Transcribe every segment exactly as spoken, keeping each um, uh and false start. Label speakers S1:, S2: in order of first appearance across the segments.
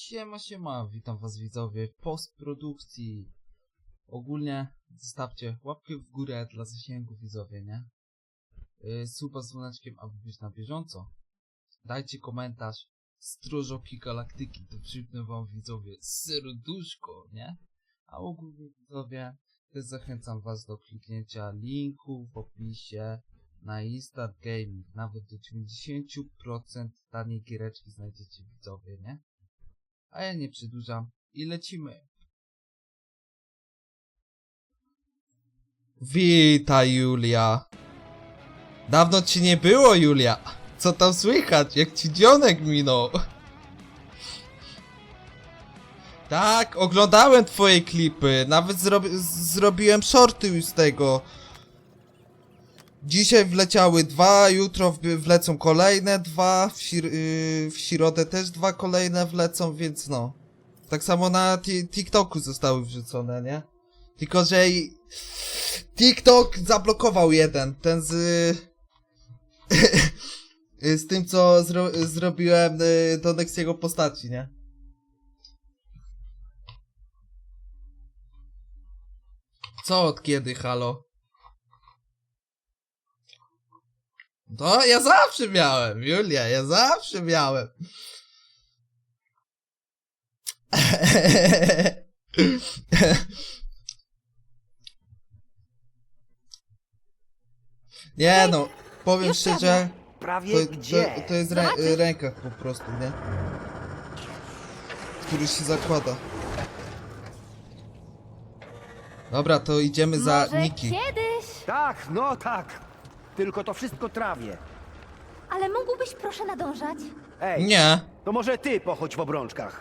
S1: Siema, siema, witam was widzowie w postprodukcji. Ogólnie zostawcie łapkę w górę dla zasięgu widzowie, nie? Yy, suba z dzwoneczkiem, aby być na bieżąco. Dajcie komentarz, Stróżoki Galaktyki, to przypnę wam widzowie serduszko, nie? A ogólnie widzowie, też zachęcam was do kliknięcia linku w opisie na Instant Gaming. Nawet do dziewięćdziesiąt procent taniej giereczki znajdziecie widzowie, nie? A ja nie przedłużam i lecimy. Witaj Julia. Dawno ci nie było Julia. Co tam słychać? Jak ci dzionek minął? Tak, oglądałem twoje klipy. Nawet zrobi zrobiłem shorty już z tego. Dzisiaj wleciały dwa, jutro wlecą kolejne dwa, w, sir yy, w środę też dwa kolejne wlecą, więc no. Tak samo na TikToku zostały wrzucone, nie? Tylko, że TikTok zablokował jeden, ten z... z tym, co zro zrobiłem yy, do Nexiego postaci, nie? Co od kiedy, halo? No, ja zawsze miałem, Julia, ja zawsze miałem. Nie no, powiem
S2: Już
S1: szczerze,
S2: Prawie
S1: to,
S2: gdzie?
S1: to, to jest rę
S2: Zobaczysz?
S1: rękach po prostu, nie? Który się zakłada. Dobra, to idziemy za
S3: Może
S1: Niki.
S3: kiedyś,
S2: Tak, no tak. Tylko to wszystko trawie.
S3: ale mógłbyś proszę nadążać?
S2: Ej,
S1: Nie.
S2: to może ty pochodź w obrączkach.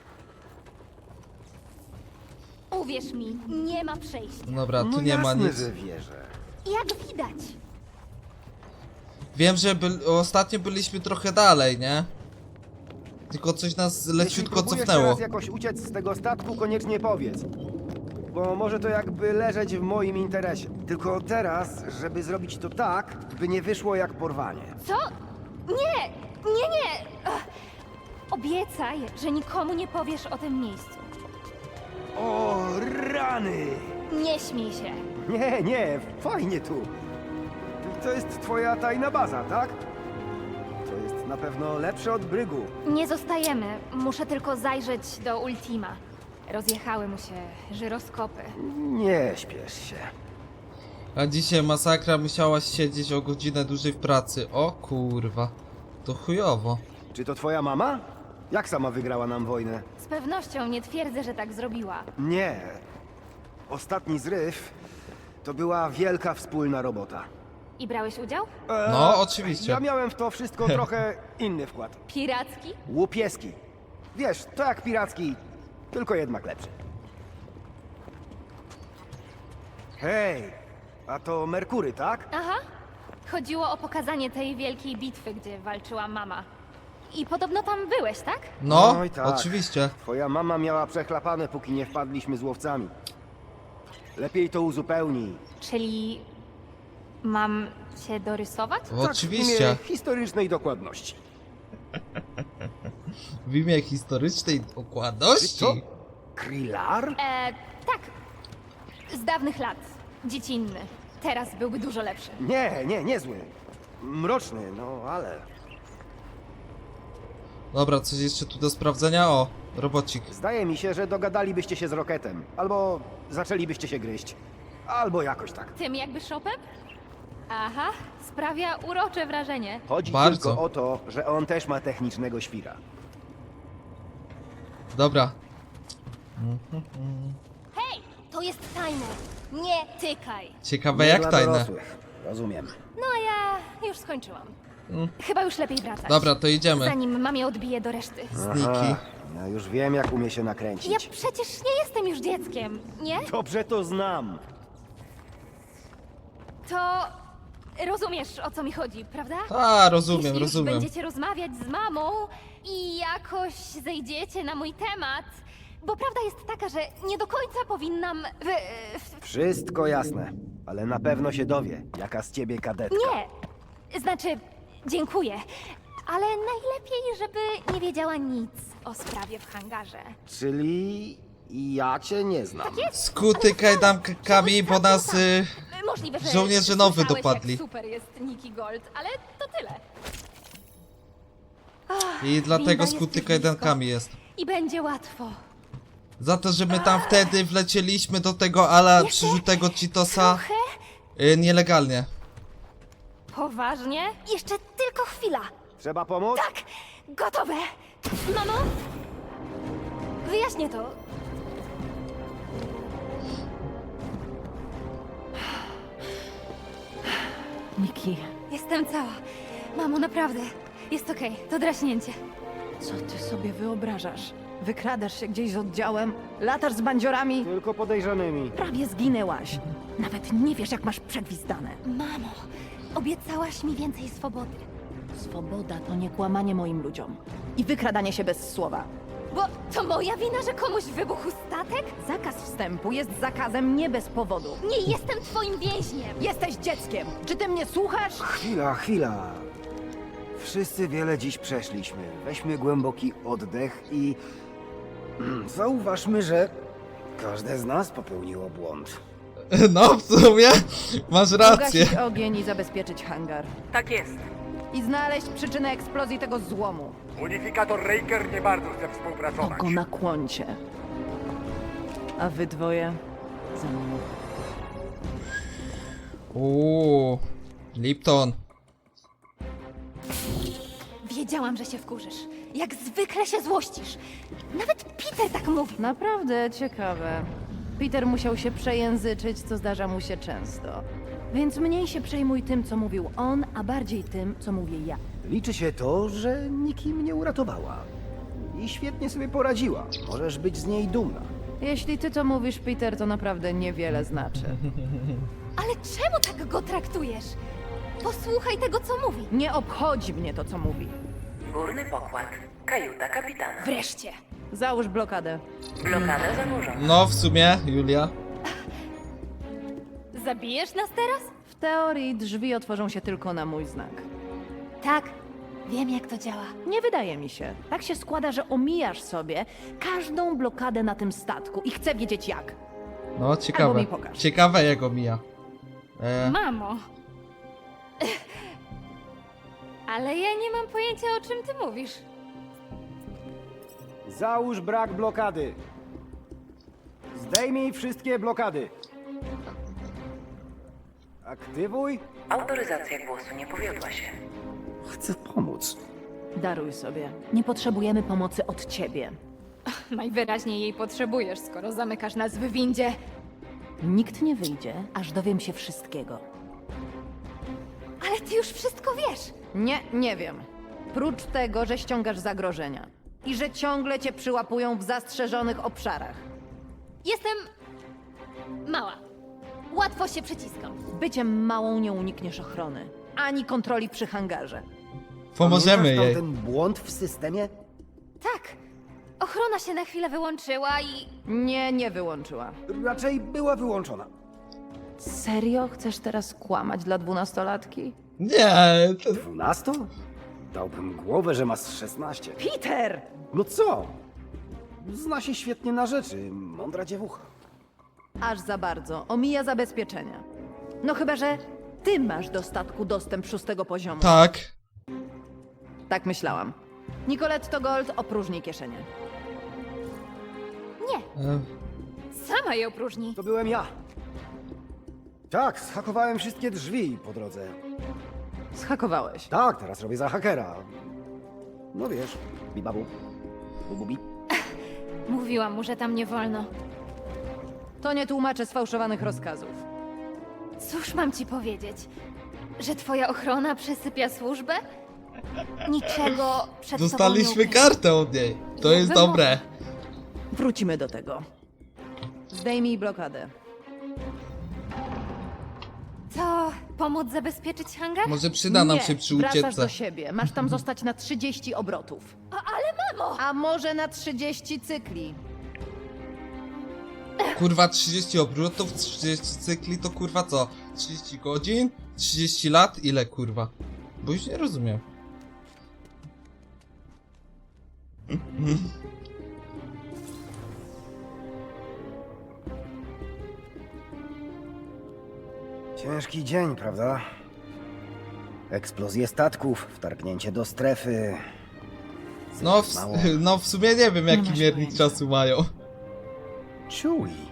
S3: Uwierz mi, nie ma przejścia.
S1: Dobra, tu
S2: No
S1: nie ma
S2: jasne,
S1: nic.
S2: że wierzę.
S3: Jak widać.
S1: Wiem, że by ostatnio byliśmy trochę dalej, nie? Tylko coś nas
S2: Jeśli
S1: leciutko
S2: próbujesz
S1: cofnęło.
S2: teraz jakoś uciec z tego statku, koniecznie powiedz. Bo może to jakby leżeć w moim interesie. Tylko teraz, żeby zrobić to tak, by nie wyszło jak porwanie.
S3: Co? Nie, nie, nie. Ach. Obiecaj, że nikomu nie powiesz o tym miejscu.
S2: O, rany!
S3: Nie śmiej się.
S2: Nie, nie, fajnie tu. To jest twoja tajna baza, tak? To jest na pewno lepsze od brygu.
S3: Nie zostajemy. Muszę tylko zajrzeć do Ultima. Rozjechały mu się żyroskopy.
S2: Nie śpiesz się.
S1: A dzisiaj masakra, musiałaś siedzieć o godzinę dłużej w pracy. O kurwa. To chujowo.
S2: Czy to twoja mama? Jak sama wygrała nam wojnę?
S3: Z pewnością nie twierdzę, że tak zrobiła.
S2: Nie. Ostatni zryw to była wielka wspólna robota.
S3: I brałeś udział?
S2: Eee,
S1: No, oczywiście.
S2: Ja miałem w to wszystko trochę inny wkład.
S3: Piracki?
S2: Łupieski. Wiesz, to jak piracki, tylko jednak lepszy. Hej, a to Merkury, tak?
S3: Aha. Chodziło o pokazanie tej wielkiej bitwy, gdzie walczyła mama. I podobno tam byłeś, tak?
S1: No,
S2: Oj, tak.
S1: oczywiście.
S2: Twoja mama miała przechlapane, póki nie wpadliśmy z łowcami. Lepiej to uzupełnij.
S3: Czyli mam cię dorysować?
S1: No,
S2: Tak,
S1: oczywiście.
S2: w imię historycznej dokładności.
S1: W imię historycznej dokładności.
S2: Co? Krillar?
S3: E, tak. Z dawnych lat. Dziecinny. Teraz byłby dużo lepszy.
S2: Nie, nie, niezły. Mroczny, no ale...
S1: Dobra, coś jeszcze tu do sprawdzenia? O, robocik.
S2: Zdaje mi się, że dogadalibyście się z Rocketem. Albo zaczęlibyście się gryźć. Albo jakoś tak.
S3: Tym jakby szopem? Aha, sprawia urocze wrażenie.
S2: Chodzi
S1: Bardzo.
S2: tylko o to, że on też ma technicznego świra.
S1: Dobra.
S3: Hej, to jest tajne. Nie tykaj.
S1: Ciekawe
S2: Nie
S1: jak
S2: dla
S1: tajne.
S2: dorosłych. Rozumiem.
S3: No a ja już skończyłam. Chyba już lepiej wracać.
S1: Dobra, to idziemy.
S3: Zanim mamie odbije do reszty.
S1: Sniki.
S2: Ja już wiem, jak umie się nakręcić.
S3: Ja przecież nie jestem już dzieckiem, nie?
S2: Dobrze to znam.
S3: To rozumiesz, o co mi chodzi, prawda?
S1: A, rozumiem,
S3: Jeśli już
S1: rozumiem.
S3: będziecie rozmawiać z mamą i jakoś zejdziecie na mój temat, bo prawda jest taka, że nie do końca powinnam... W, w,
S2: Wszystko jasne. Ale na pewno się dowie, jaka z ciebie kadetka.
S3: nie, znaczy, dziękuję, Ale najlepiej, żeby nie wiedziała nic o sprawie w hangarze.
S2: Czyli ja cię nie znam.
S3: Tak jest.
S1: Skuty kajdankami, bo nas... Y...
S3: Możliwe, że
S1: żołnierze nowy
S3: słyszałeś,
S1: dopadli.
S3: Jak super jest Nikki Gold, ale to tyle.
S1: I dlatego
S3: winda jest
S1: skuty
S3: już
S1: kajdankami jest.
S3: I będzie łatwo.
S1: Za to, że my tam wtedy wlecieliśmy do tego ala
S3: Jeszcze
S1: przyrzutego Cheetosa
S3: Trochę?
S1: y, nielegalnie.
S3: Poważnie? Jeszcze tylko chwila.
S2: Trzeba pomóc?
S3: Tak, gotowe. Mamo? Wyjaśnię to.
S4: Nikki,
S3: Jestem cała. Mamo, naprawdę. Jest okej, to draśnięcie.
S4: co ty sobie wyobrażasz? Wykradasz się gdzieś z oddziałem, latasz z bandziorami,
S2: Tylko podejrzanymi.
S4: prawie zginęłaś. Nawet nie wiesz, jak masz przegwizdane.
S3: Mamo, obiecałaś mi więcej swobody.
S4: Swoboda to nie kłamanie moim ludziom. I wykradanie się bez słowa.
S3: Bo to moja wina, że komuś wybuchł statek?
S4: Zakaz wstępu jest zakazem nie bez powodu.
S3: Nie jestem twoim więźniem.
S4: Jesteś dzieckiem! Czy ty mnie słuchasz?
S2: Chwila, chwila. Wszyscy wiele dziś przeszliśmy. Weźmy głęboki oddech i zauważmy, że każde z nas popełniło błąd.
S1: No, w sumie masz rację.
S4: Ugasić ogień i zabezpieczyć hangar.
S5: Tak jest.
S4: I znaleźć przyczynę eksplozji tego złomu.
S5: Unifikator Raker nie bardzo chce
S4: To
S5: współpracować.
S4: go na kłącie. A wy dwoje za mną.
S1: Uuu, Lipton.
S3: Wiedziałam, że się wkurzysz. Jak zwykle się złościsz. Nawet Peter tak mówi.
S4: Naprawdę ciekawe. Peter musiał się przejęzyczyć, co zdarza mu się często. Więc mniej się przejmuj tym, co mówił on, a bardziej tym, co mówię ja.
S2: Liczy się to, że Nikki mnie uratowała. I świetnie sobie poradziła. Możesz być z niej dumna.
S4: Jeśli ty to mówisz, Peter, to naprawdę niewiele znaczy.
S3: Ale czemu tak go traktujesz? Posłuchaj tego, co mówi.
S4: Nie obchodzi mnie to, co mówi.
S6: Górny pokład. Kajuta kapitana.
S3: Wreszcie.
S4: Załóż blokadę.
S6: Blokada zanurzona.
S1: No, w sumie, Julia.
S3: Zabijesz nas teraz?
S4: W teorii drzwi otworzą się tylko na mój znak.
S3: Tak. Wiem, jak to działa.
S4: Nie wydaje mi się. Tak się składa, że omijasz sobie każdą blokadę na tym statku i chcę wiedzieć jak.
S1: No, ciekawe.
S4: mi pokaż.
S1: Ciekawe jak go mija. E,
S3: Mamo. Ale ja nie mam pojęcia, o czym ty mówisz.
S2: Załóż brak blokady. Zdejmij wszystkie blokady. Aktywuj.
S6: Autoryzacja głosu nie powiodła się.
S2: Chcę pomóc.
S4: Daruj sobie. Nie potrzebujemy pomocy od ciebie.
S3: Najwyraźniej jej potrzebujesz, skoro zamykasz nas w windzie.
S4: Nikt nie wyjdzie, aż dowiem się wszystkiego.
S3: Ale ty już wszystko wiesz.
S4: Nie, nie wiem. Prócz tego, że ściągasz zagrożenia. I że ciągle cię przyłapują w zastrzeżonych obszarach.
S3: Jestem mała. Łatwo się przyciskam.
S4: Byciem małą nie unikniesz ochrony. Ani kontroli przy hangarze.
S1: pomożemy
S2: Pamiętasz
S1: jej.
S2: ten błąd w systemie?
S3: Tak. Ochrona się na chwilę wyłączyła i...
S4: Nie, nie wyłączyła.
S2: Raczej była wyłączona.
S4: Serio? Chcesz teraz kłamać dla dwunastolatki?
S1: Nie, to...
S2: Dwunasto? Dałbym głowę, że masz szesnaście.
S4: Peter!
S2: No co? Zna się świetnie na rzeczy. Mądra dziewucha.
S4: Aż za bardzo. Omija zabezpieczenia. No chyba, że ty masz do statku dostęp szóstego poziomu.
S1: Tak.
S4: Tak myślałam. Nicoletto Gold opróżni kieszenie.
S3: Nie,
S1: E,
S3: sama je opróżni.
S2: To byłem ja. Tak, zhakowałem wszystkie drzwi po drodze.
S4: Schakowałeś.
S2: Tak, teraz robię za hakera. No wiesz, bibabu. Bububi.
S3: Mówiłam mu, że tam nie wolno.
S4: To nie tłumaczę sfałszowanych rozkazów.
S3: Cóż mam ci powiedzieć? Że twoja ochrona przesypia służbę? Niczego przed
S1: dostaliśmy
S3: tobą nie
S1: kartę od niej. To jest
S3: Jakby
S1: dobre.
S4: Wrócimy do tego. Zdejmij blokadę.
S3: To pomóc zabezpieczyć hangar?
S1: Może przyda nam
S4: Nie,
S1: się przy
S4: wracasz
S1: ucieczce.
S4: do siebie. Masz tam zostać na trzydzieści obrotów.
S3: A, ale mamo!
S4: A może na trzydzieści cykli.
S1: Kurwa, trzydzieści obrotów, trzydzieści cykli to kurwa co? trzydzieści godzin? trzydzieści lat? Ile kurwa? Bo już nie rozumiem.
S2: Ciężki dzień, prawda? Eksplozje statków, wtargnięcie do strefy.
S1: No w,
S2: Mało.
S1: no w sumie nie wiem jaki
S4: masz
S1: miernik
S4: pojęcia.
S1: czasu mają.
S2: Chewie.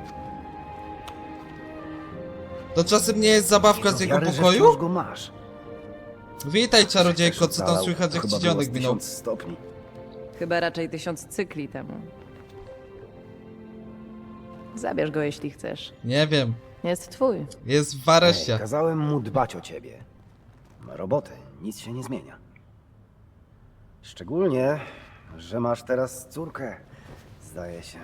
S1: To czasem nie jest zabawka z
S2: Do
S1: jego
S2: wiary, że
S1: pokoju?
S2: wciąż go masz.
S1: Witaj czarodziejko, co tam
S2: Zalał.
S1: słychać jak
S2: Chyba
S1: ci
S2: było
S1: dzionek
S2: z
S1: minął?
S2: tysiąc stopni.
S4: Chyba raczej tysiąc cykli temu. Zabierz go, jeśli chcesz.
S1: Nie wiem,
S4: Jest twój.
S1: jest w
S2: Ej,
S1: areszcie.
S2: kazałem mu dbać o ciebie. Ma robotę, nic się nie zmienia. Szczególnie, że masz teraz córkę, zdaje się.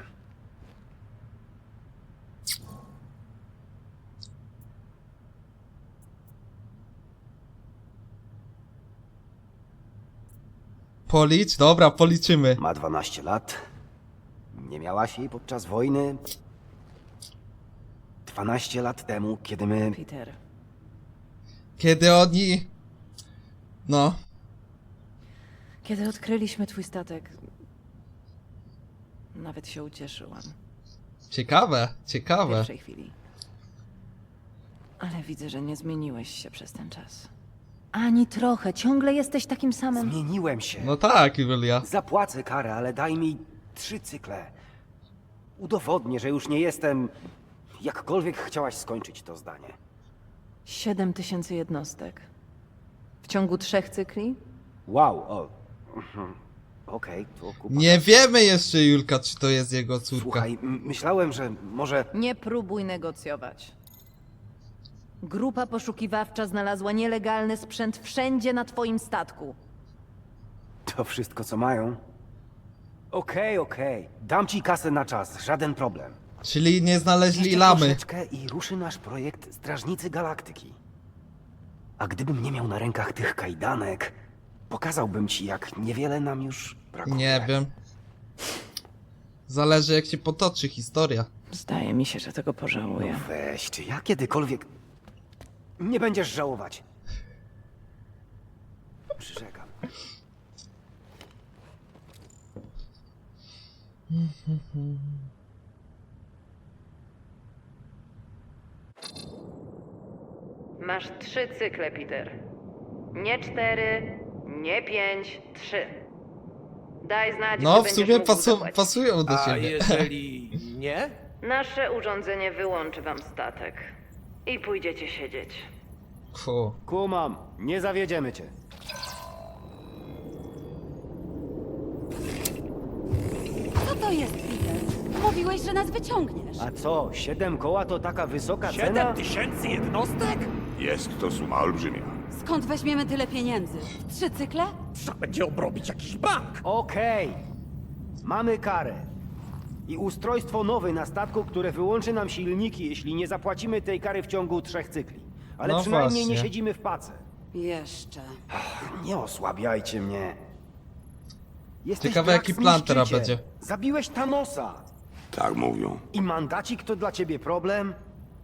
S1: Policz? Dobra, policzymy.
S2: Ma dwanaście lat. Nie miałaś jej podczas wojny. dwanaście lat temu, kiedy my...
S4: Peter,
S1: Kiedy oni... No,
S4: kiedy odkryliśmy twój statek, nawet się ucieszyłam.
S1: ciekawe,
S4: W
S1: ciekawe.
S4: pierwszej chwili. Ale widzę, że nie zmieniłeś się przez ten czas. Ani trochę. Ciągle jesteś takim samym.
S2: Zmieniłem się.
S1: No tak, Julia.
S2: Zapłacę karę, ale daj mi trzy cykle. Udowodnię, że już nie jestem... Jakkolwiek chciałaś skończyć to zdanie.
S4: Siedem tysięcy jednostek. W ciągu trzech cykli?
S2: Wow, o... mhm. Okej, to kupa.
S1: Nie wiemy jeszcze, Julka, czy to jest jego córka.
S2: Słuchaj, m- myślałem, że może...
S4: Nie próbuj negocjować. Grupa poszukiwawcza znalazła nielegalny sprzęt wszędzie na twoim statku.
S2: To wszystko, co mają? Okej, okej. Dam ci kasę na czas, żaden problem.
S1: Czyli nie znaleźli
S2: Jeszcze
S1: lamy.
S2: troszeczkę i ruszy nasz projekt Strażnicy Galaktyki. A gdybym nie miał na rękach tych kajdanek, pokazałbym ci, jak niewiele nam już brakuje.
S1: Nie wiem. Zależy jak się potoczy historia.
S4: Zdaje mi się, że tego
S2: No
S4: pożałuję.
S2: weź, czy ja kiedykolwiek... Nie będziesz żałować. Przyrzekam.
S4: Masz trzy cykle, Peter. Nie cztery, nie pięć, trzy. Daj znać,
S1: No,
S4: gdy
S1: w
S4: będziesz
S1: sumie
S4: mógł
S1: pasu
S4: zapłacić.
S1: pasują do
S7: A
S1: siebie.
S7: jeżeli nie?
S4: Nasze urządzenie wyłączy wam statek. I pójdziecie siedzieć.
S1: Fu.
S2: Kumam, nie zawiedziemy cię.
S8: Co to jest, Peter? Mówiłeś, że nas wyciągniesz.
S2: A co, siedem koła to taka wysoka cena?
S7: Siedem tysięcy jednostek?
S5: Jest to suma olbrzymia.
S8: Skąd weźmiemy tyle pieniędzy? W trzy cykle?
S7: Trzeba będzie obrobić jakiś bank.
S2: Okej. Mamy karę. I ustrojstwo nowe na statku, które wyłączy nam silniki, jeśli nie zapłacimy tej kary w ciągu trzech cykli. Ale
S1: No
S2: przynajmniej
S1: właśnie.
S2: nie siedzimy w pace.
S8: Jeszcze.
S2: Nie osłabiajcie mnie. Jesteś
S1: Ciekawe,
S2: Drax
S1: jaki plan teraz
S2: Niszczyciel.
S1: będzie.
S2: Zabiłeś Thanosa.
S5: Tak mówią.
S2: I mandacik to dla ciebie problem?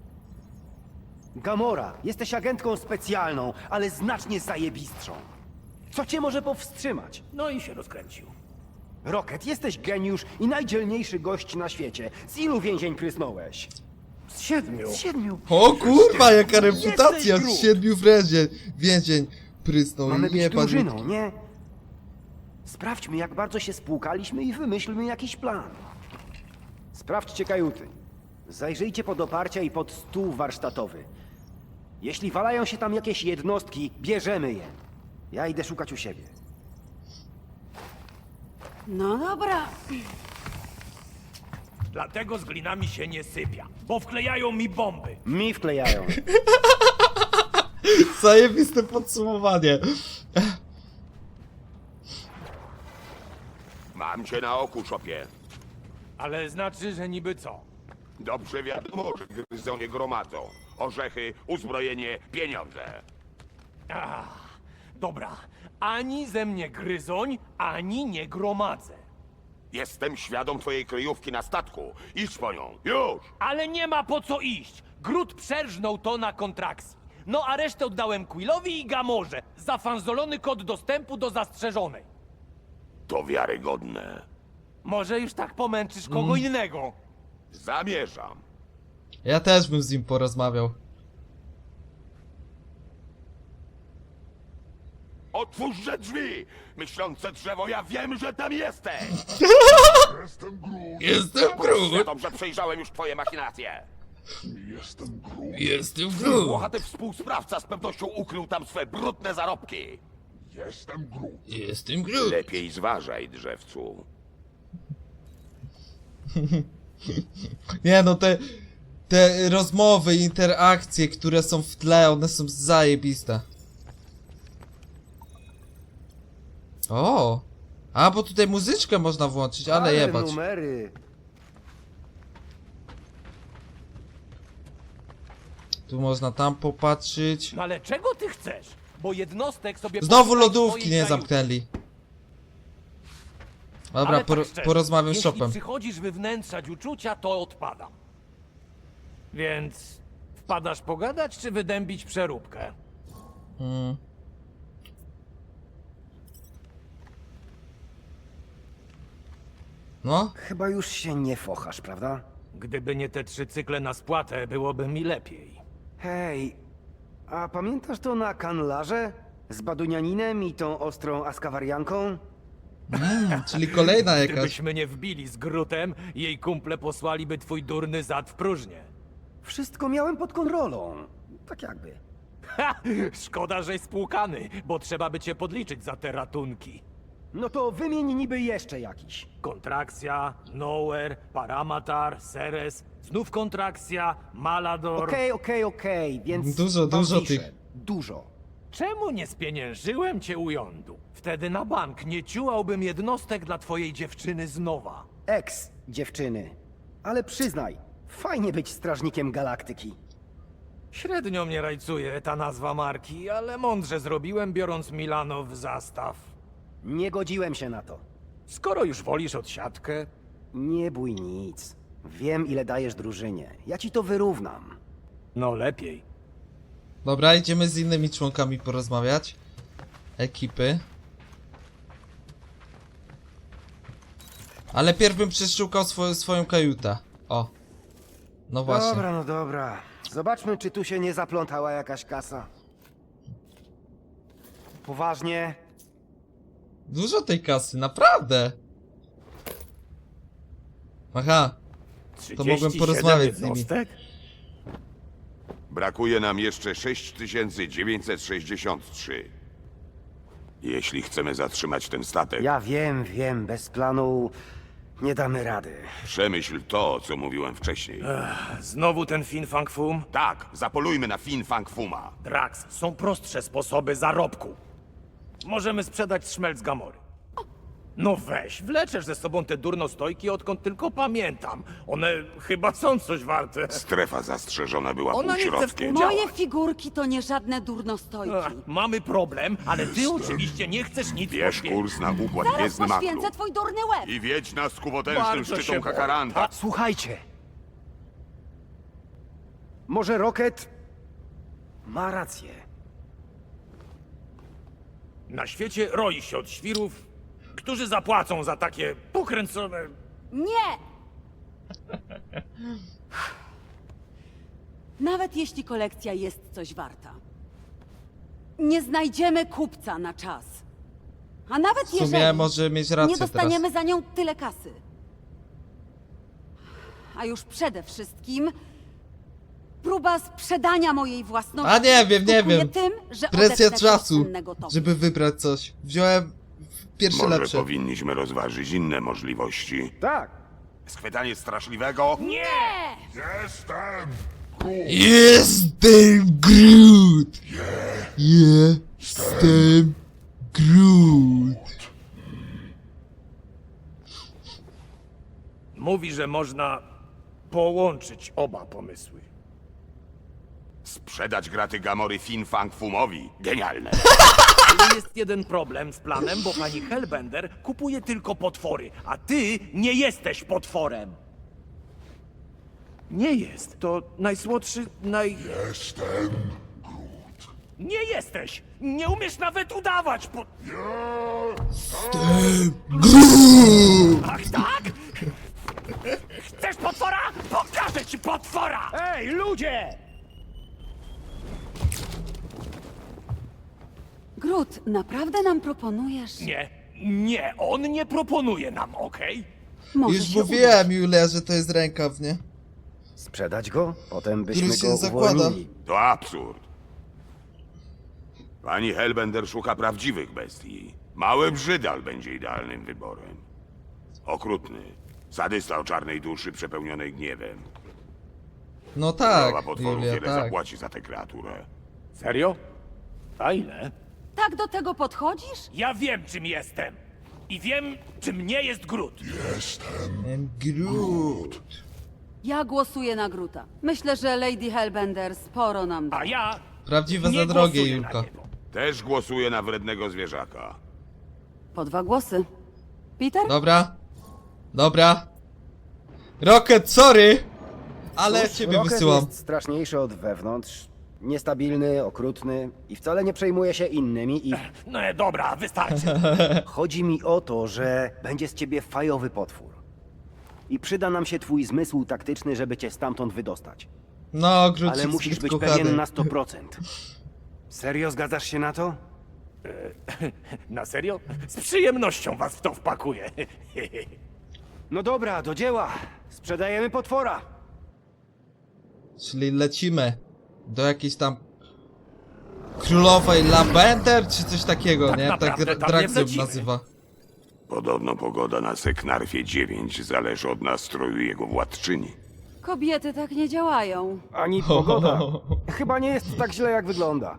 S2: Gamora, jesteś agentką specjalną, ale znacznie zajebistszą. Co cię może powstrzymać?
S7: No i się rozkręcił.
S2: Rocket, jesteś geniusz i najdzielniejszy gość na świecie. Z ilu więzień prysnąłeś?
S7: Z siedmiu.
S2: Z siedmiu.
S1: O kurwa, jaka reputacja
S2: grób.
S1: z siedmiu więzień. Więzień prysnął.
S2: Mamy być
S1: Nie,
S2: drużyną, nie? Sprawdźmy, jak bardzo się spłukaliśmy i wymyślmy jakiś plan. Sprawdźcie kajuty. Zajrzyjcie pod oparcia i pod stół warsztatowy. Jeśli walają się tam jakieś jednostki, bierzemy je. Ja idę szukać u siebie.
S8: No dobra.
S7: Dlatego z glinami się nie sypia, bo wklejają mi bomby.
S2: Mi wklejają.
S1: Zajebiste podsumowanie.
S5: Mam cię na oku, szopie.
S7: Ale znaczy, że niby co?
S5: Dobrze wiadomo, że gryzonie gromadzą. Orzechy, uzbrojenie, pieniądze.
S7: Ach, dobra. Ani ze mnie gryzoń, ani nie gromadzę.
S5: Jestem świadom twojej kryjówki na statku. Idź po nią. Już!
S7: Ale nie ma po co iść. Grut przerżnął to na kontrakcji. No a resztę oddałem Quillowi i Gamorze za fanzolony kod dostępu do zastrzeżonej.
S5: To wiarygodne.
S7: Może już tak pomęczysz kogo
S1: Mm.
S7: innego?
S5: Zamierzam.
S1: Ja też bym z nim porozmawiał.
S5: Otwórzże drzwi! Myślące drzewo, ja wiem, że tam jesteś!
S1: Jestem
S5: Świadom, że przejrzałem już twoje machinacje.
S1: Jestem
S5: Włochaty współsprawca z pewnością ukrył tam swe brudne zarobki.
S1: Jestem Groot.
S5: Lepiej zważaj, drzewcu.
S1: Nie no, te, te rozmowy, interakcje, które są w tle, one są zajebiste. O! A, bo tutaj muzyczkę można włączyć, ale jebać.
S2: numery.
S1: Tu można tam popatrzeć.
S7: No ale czego ty chcesz? Bo jednostek sobie...
S1: Znowu
S7: poszukaj
S1: lodówki
S7: swojej
S1: nie
S7: kajuty.
S1: zamknęli. Dobra,
S7: Ale
S1: por
S7: tak szczerze,
S1: porozmawiam z
S7: jeśli
S1: shopem.
S7: przychodzisz wywnętrzać uczucia, to odpadam. Więc wpadasz pogadać, czy wydębić przeróbkę?
S1: Hmm. No,
S2: Chyba już się nie fochasz, prawda?
S7: Gdyby nie te trzy cykle na spłatę, byłoby mi lepiej.
S2: Hej, a pamiętasz to na kanlarze? Z badunianinem i tą ostrą askawarianką?
S1: mm, czyli kolejna jakaś.
S7: Gdybyśmy nie wbili z Grutem, jej kumple posłaliby twój durny zad w próżnię.
S2: Wszystko miałem pod kontrolą. Tak jakby.
S7: Ha! Szkoda, żeś spłukany, bo trzeba by cię podliczyć za te ratunki.
S2: No to wymień niby jeszcze jakiś.
S7: Kontrakcja, Nowhere, Paramatar, Ceres, znów kontrakcja, Malador...
S2: Okej, okej, okej, więc...
S1: Dużo,
S2: wam
S1: dużo
S2: piszę.
S1: tych.
S2: Dużo.
S7: Czemu nie spieniężyłem cię u jądu? Wtedy na bank nie ciułałbym jednostek dla twojej dziewczyny z nowa.
S2: Ex dziewczyny. Ale przyznaj, fajnie być strażnikiem galaktyki.
S7: Średnio mnie rajcuje ta nazwa marki, ale mądrze zrobiłem, biorąc Milano w zastaw.
S2: Nie godziłem się na to.
S7: Skoro już wolisz odsiadkę,
S2: Nie bój nic. Wiem, ile dajesz drużynie. Ja ci to wyrównam.
S7: no lepiej.
S1: Dobra, idziemy z innymi członkami porozmawiać. Ekipy. Ale pierw bym przeszukał swo swoją kajutę. O. No właśnie.
S2: Dobra, no dobra. Zobaczmy, czy tu się nie zaplątała jakaś kasa. Poważnie?
S1: Dużo tej kasy, naprawdę. Aha. To mogłem
S7: trzydzieści siedem
S1: porozmawiać z nimi.
S7: jednostek?
S5: Brakuje nam jeszcze sześć tysięcy dziewięćset sześćdziesiąt trzy. Jeśli chcemy zatrzymać ten statek,
S2: Ja wiem, wiem, bez planu nie damy rady.
S5: przemyśl to, co mówiłem wcześniej.
S7: Znowu ten Fin Fang Fum?
S5: Tak, zapolujmy na Fin Fang Fuma.
S7: Drax, są prostsze sposoby zarobku. Możemy sprzedać szmelc z Gamory. No weź, wleczesz ze sobą te durnostojki, odkąd tylko pamiętam. One chyba są coś warte.
S5: Strefa zastrzeżona była
S7: Ona nie chce
S5: półśrodkiem.
S7: współdziałać.
S8: Moje figurki to nie żadne durnostojki.
S7: Ach, mamy problem, ale ty oczywiście nie chcesz nic
S5: Bierz
S7: poświęcić.
S5: kurs na układ
S8: Zaraz
S5: gwiezdny makru.
S8: poświęcę twój durny łeb.
S5: I wiedź nas ku potężnym
S7: Bardzo się
S5: szczytom
S7: boję.
S5: Kakaranta.
S2: Słuchajcie. Może Rocket ma rację.
S7: Na świecie roi się od świrów, którzy zapłacą za takie pokręcone...
S8: Nie! Nawet jeśli kolekcja jest coś warta. Nie znajdziemy kupca na czas. A nawet
S1: W sumie
S8: jeżeli
S1: może mieć rację
S8: nie dostaniemy
S1: teraz.
S8: za nią tyle kasy. A już przede wszystkim próba sprzedania mojej własności.
S1: A nie wiem, nie
S8: skutkuje
S1: wiem.
S8: Tym, że
S1: Presja
S8: odetnę
S1: czasu,
S8: cennego towaru.
S1: żeby wybrać coś. Wziąłem pierwsze
S5: Może
S1: lepsze.
S5: powinniśmy rozważyć inne możliwości.
S2: Tak.
S5: Schwytanie straszliwego?
S7: Nie!
S1: Jestem Groot! Jestem Groot!
S7: Mówi, że można połączyć oba pomysły.
S5: Sprzedać graty Gamory Fin Fang Fumowi. Genialne.
S7: Ale jest jeden problem z planem, bo pani Hellbender kupuje tylko potwory, a ty nie jesteś potworem. Nie jest. To najsłodszy, naj... Nie jesteś! Nie umiesz nawet udawać! Po... Ach tak? Chcesz potwora? Pokażę ci potwora!
S2: Ej, ludzie!
S8: Grut, naprawdę nam proponujesz?
S7: Nie, nie, on nie proponuje nam, okej?
S8: Może
S1: Już
S8: się
S1: mówiłem, Julia, że to jest rękaw, nie?
S2: Sprzedać go? Potem byśmy
S1: Który się
S2: go
S1: zakłada.
S2: uwolnili.
S5: To absurd. Pani Hellbender szuka prawdziwych bestii. Mały brzydal będzie idealnym wyborem. Okrutny. Sadysta o czarnej duszy przepełnionej gniewem.
S1: No
S5: Królowa
S1: tak,
S5: potworów
S1: Julia,
S5: wiele
S1: tak.
S5: zapłaci za tę kreaturę.
S7: Serio? A ile?
S8: Tak do tego podchodzisz?
S7: Ja wiem, czym jestem. I wiem, czym nie jest Grut.
S1: And Groot.
S8: Ja głosuję na Gruta. Myślę, że Lady Hellbender sporo nam da.
S7: A ja
S1: Prawdziwe
S7: nie
S1: za drogie,
S7: głosuję
S1: Julka.
S7: na niego.
S5: Też głosuję na wrednego zwierzaka.
S8: Po dwa głosy. Peter?
S1: Dobra. Dobra. Rocket, sorry! Ale
S2: Cóż,
S1: ciebie
S2: Rocket
S1: wysyłam.
S2: jest straszniejszy od wewnątrz. Niestabilny, okrutny i wcale nie przejmuje się innymi i...
S7: No dobra, wystarczy.
S2: Chodzi mi o to, że będzie z ciebie fajowy potwór. I przyda nam się twój zmysł taktyczny, żeby cię stamtąd wydostać.
S1: No, Groot
S2: Ale
S1: jest
S2: musisz
S1: zbyt
S2: być
S1: kochany.
S2: pewien na sto procent. Serio zgadzasz się na to?
S7: Na serio? Z przyjemnością was w to wpakuję.
S2: No dobra, do dzieła. Sprzedajemy potwora.
S1: Czyli lecimy do jakiejś tam królowej Lavender, czy coś takiego, nie? Tak
S7: naprawdę
S1: Dra-
S7: tam nie
S1: Drax ją
S7: wlecimy.
S1: nazywa.
S5: Podobno pogoda na Seknarfie dziewięć zależy od nastroju jego władczyni.
S8: Kobiety tak nie działają.
S2: Ani pogoda. Chyba nie jest tak źle, jak wygląda.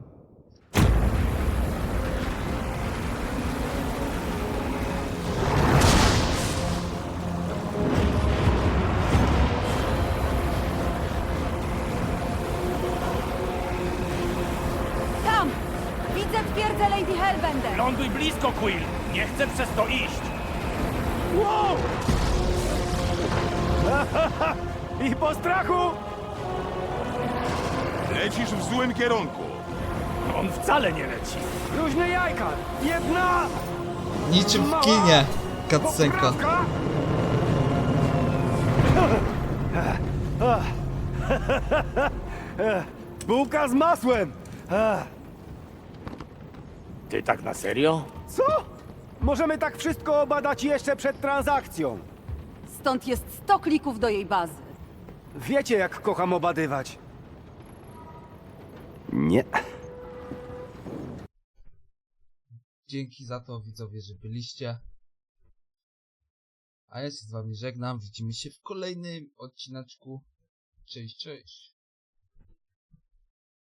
S8: Tam! Widzę twierdzę Lady Hellbender!
S7: Ląduj blisko, Quill. Nie chcę przez to iść.
S2: Wow! I po strachu!
S5: Lecisz w złym kierunku.
S7: On wcale nie leci.
S2: Luźne jajka! Jedna!
S1: Niczym w kinie. Cutscenka.
S2: poprawka! Bułka z masłem!
S7: Ty tak na serio?
S2: Co? Możemy tak wszystko obadać jeszcze przed transakcją.
S8: Stąd jest sto klików do jej bazy.
S2: Wiecie, jak kocham obadywać. Nie.
S1: Dzięki za to, widzowie, że byliście. A ja się z wami żegnam. Widzimy się w kolejnym odcineczku. Cześć, cześć.